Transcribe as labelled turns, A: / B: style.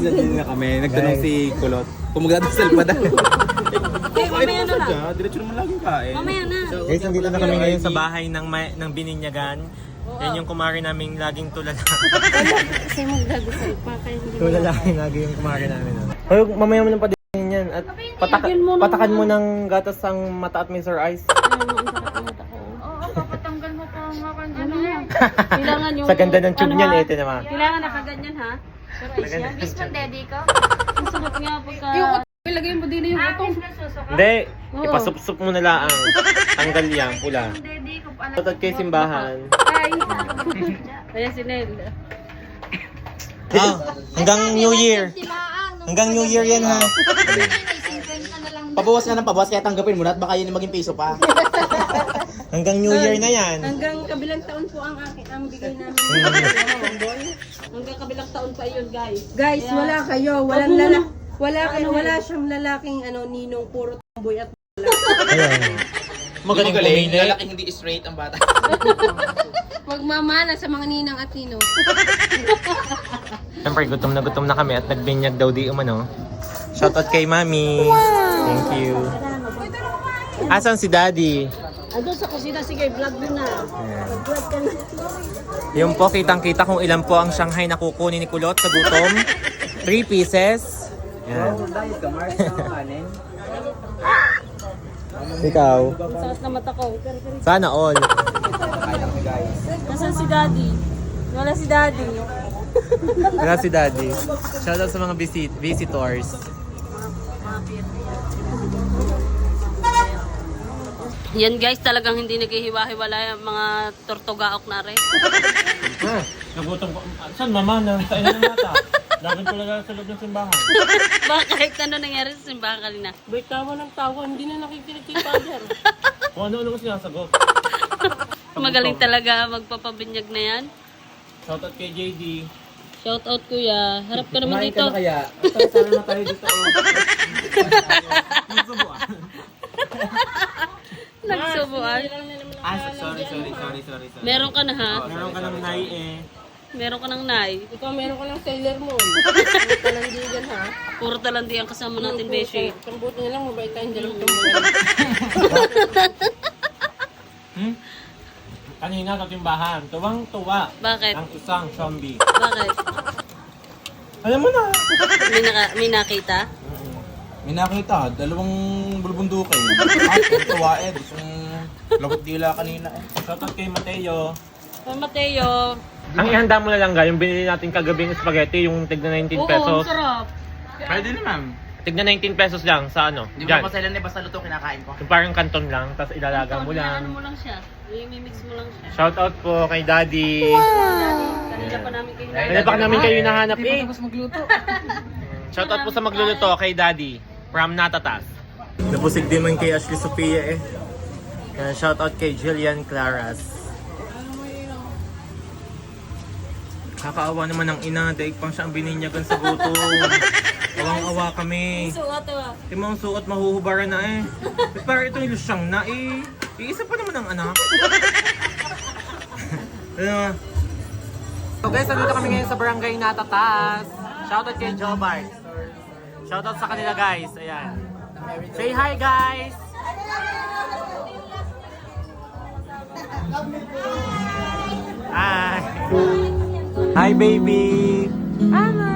A: Nagdadasal na kami. Nagtanong si Kulot. Kung magdadasal pa dahil.
B: Mamaya na lang.
A: Diretso naman laging kain.
B: Mamaya na.
C: Guys, nandito na kami ngayon sa bahay ng Bininyagan. Yan yung kumari naming laging tulala.
B: Kasi magdadasal pa kayo.
C: Tulala lagi yung kumari namin. Hoy, mamaya mo lang pa din yan. At patakan mo ng gatas ang mata at Mr. Ice.
B: Papatanggal mo pa ang ano yan. Kailangan yung...
C: Sa ganda ng tube niyan, ito naman.
B: Kailangan nakaganyan ha. Pero is yan.
D: Miss mo, daddy ko?
B: Ang sarap nga pagka...
D: Ilagay mo din yung utong.
C: Hindi, ipasup-sup mo na lang. Tanggal yan, pula.
D: Daddy ko pala.
C: Tatag kay simbahan.
D: Ay.
B: Kaya si Nel.
C: Hanggang New Year. Hanggang New Year yan ha.
A: Pabawas nga ng pabawas kaya tanggapin mo na at baka yun yung maging piso pa.
C: Hanggang New Year na yan.
B: Hanggang kabilang taon po ang bigay namin. Hanggang kabilang taon pa yun, guys.
E: Guys, wala kayo. Walang lalaki. Wala siyang lalaking ninong puro tomboy at
C: Ayun. Magaling pumili.
A: Lalaking hindi straight ang bata.
E: magmamana sa mga ninang at ninong.
C: Siyempre, gutom na kami at nagbinyag daw di umano. Shoutout kay Mami. Thank you. Asan si Daddy?
B: Andun sa kusina, sige, vlog mo na. Vlog ka na.
C: Yung po, kitang-kita kung ilan po ang Shanghai na kukunin ni Kulot sa gutom. 3 pieces. Yan. Ikaw.
B: Sakit na mata ko.
C: Sana all.
B: Nasaan si Daddy? Wala si Daddy.
C: Wala si Daddy. Shoutout sa mga visitors.
B: Yan guys, talagang hindi naghihiwa-hiwala yung mga tortugaok na rin.
C: Nagutom ko. Saan mama? Sa ina ng mata. Lagyan ko lang sa loob ng simbahan.
B: Bakit? Ano nangyari sa simbahan kanina?
E: Bay, tawa ng tawa. Hindi na nakikinig kay Father.
C: Kung ano-ano ko sinasagot.
B: Magaling talaga magpapabinyag na yan.
C: Shoutout kay JD.
B: Shout out kuya. Harap ka naman
A: Kumain
B: dito.
A: ka na kaya? Sana na tayo dito.
B: Nagsubuan.
A: Sorry.
B: Meron ka na ha?
C: Meron ka ng nai eh.
B: Meron ka ng nai.
E: Ikaw, meron ka ng Sailor Moon. Talandigan ha.
B: Puro talandi ang kasama natin, Beshi.
E: Kambuti na lang, mabait tayong dalawang tomboy.
C: Kanina sa timbahan, tuwang-tuwa
B: Bakit?
C: ang isang zombie.
B: Bakit?
C: Alam mo na.
B: May nakita?
A: May nakita, dalawang bulbundukin. Tuwa eh. Gustong lagot dila kanina eh.
C: Shoutout kay Mateo.
B: Kay Mateo.
C: Ang ihanda mo na lang yung binili natin kagabing spaghetti, yung tigna 19
B: Oo,
C: pesos.
B: ang sarap.
A: Pwede naman.
C: Tigna 19 pesos lang sa ano,
A: Di
C: dyan.
A: ba paselan eh, basta luto kinakain ko.
C: Yung parang kanton lang, tapos ilalaga mo
B: Ano
C: lang.
B: mo lang siya. I-mix mo lang siya.
C: Shoutout po kay Daddy.
B: Kanina pa namin kayo.
C: Kanina pa namin kayo nahanap eh.
E: Tapos magluto.
C: Shoutout po sa magluluto kay Daddy from Natatas. Nabusig din man kay Ashley Sophia eh. Shoutout kay Jillian Claras. Kakaawa naman ang ina, daig pang siya ang bininyagan sa gutom. Awang-awa kami.
B: Suot ah.
C: Yung mga suot mahuhubaran na eh. Pero ito yung lusyang na eh. Iisa pa naman ang anak. Ano? So guys, nandito kami ngayon sa barangay Natatas. Shoutout kay Jobart. Shoutout sa kanila guys. Ayan. Say hi guys! Hi! Hi baby!
E: Hello!